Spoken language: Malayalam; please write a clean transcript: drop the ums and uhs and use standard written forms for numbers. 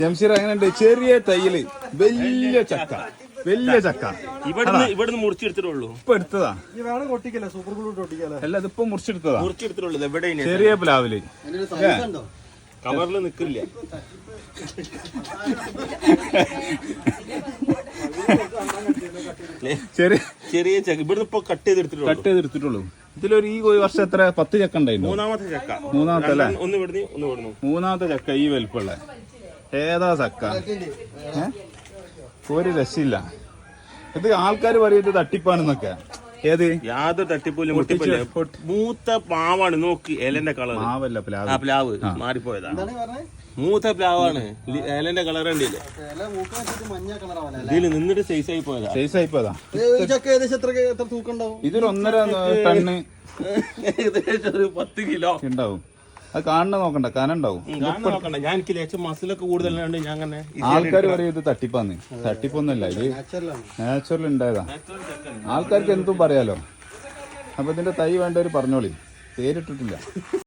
ജംഷീർ എങ്ങനെയുണ്ട്? ചെറിയ തൈയില് വലിയ ചക്ക, വലിയ ചക്ക ഇവിടുന്ന് മുറിച്ചെടുത്തിട്ടുള്ളൂ. ഇപ്പൊ എടുത്തതാ, അല്ല ഇതിപ്പോ മുറിച്ചെടുത്തതാ. ചെറിയ പ്ലാവില് കവറിൽ നിക്കില്ല. ചെറിയ ചക്ക ഇവിടുന്ന് ഇപ്പൊ കട്ട് ചെയ്തെടുത്തിട്ടുള്ളൂ. ഇതിലൊരു ഈ വർഷം എത്ര 10 ചക്ക ഉണ്ടായിരുന്നു. മൂന്നാമത്തെ ചക്ക. മൂന്നാമത്തെ അല്ലേ? ഒന്ന് ഇവിടുന്ന് മൂന്നാമത്തെ ചക്ക ഈ വലിപ്പമുള്ള. ഏതാ ചക്ക? ഒരു രക്ഷയില്ല. ഇത് ആൾക്കാർ പറയുന്നത് തട്ടിപ്പാണെന്നൊക്കെ. ഏത്? യാതൊരു തട്ടിപ്പൂലും പൊട്ടിപ്പില്ല. മൂത്ത പ്ലാവാണ്. നോക്ക് ഇലന്റെ കളർ. മാവല്ല, പ്ലാവ് മാറിപ്പോയതാ. മൂത്ത പ്ലാവാണ്. ഇലന്റെ കളർ ഉണ്ടല്ലേ, ഇതില് നിന്നിട്ട് സൈസ് ആയി പോയതാ. ഇതൊരു 1.5 ടണ്ണ് ഏകദേശം ഒരു 10 കിലോ ഉണ്ടാവും. അത് കാണുന്ന നോക്കണ്ട, കനുണ്ടാവും. നോക്കണ്ട. ഞാൻ എനിക്ക് ലേശം മസിലൊക്കെ കൂടുതലുണ്ട്. ഞാൻ അങ്ങനെ ആൾക്കാർ പറയും ഇത് തട്ടിപ്പാന്ന്. തട്ടിപ്പൊന്നുമല്ല, ഇത് നാച്ചുറൽ ഉണ്ടായതാ. ആൾക്കാർക്ക് എന്തും പറയാലോ. അപ്പൊ ഇതിന്റെ തൈ വേണ്ടവര് പറഞ്ഞോളി, പേരിട്ടിട്ടില്ല.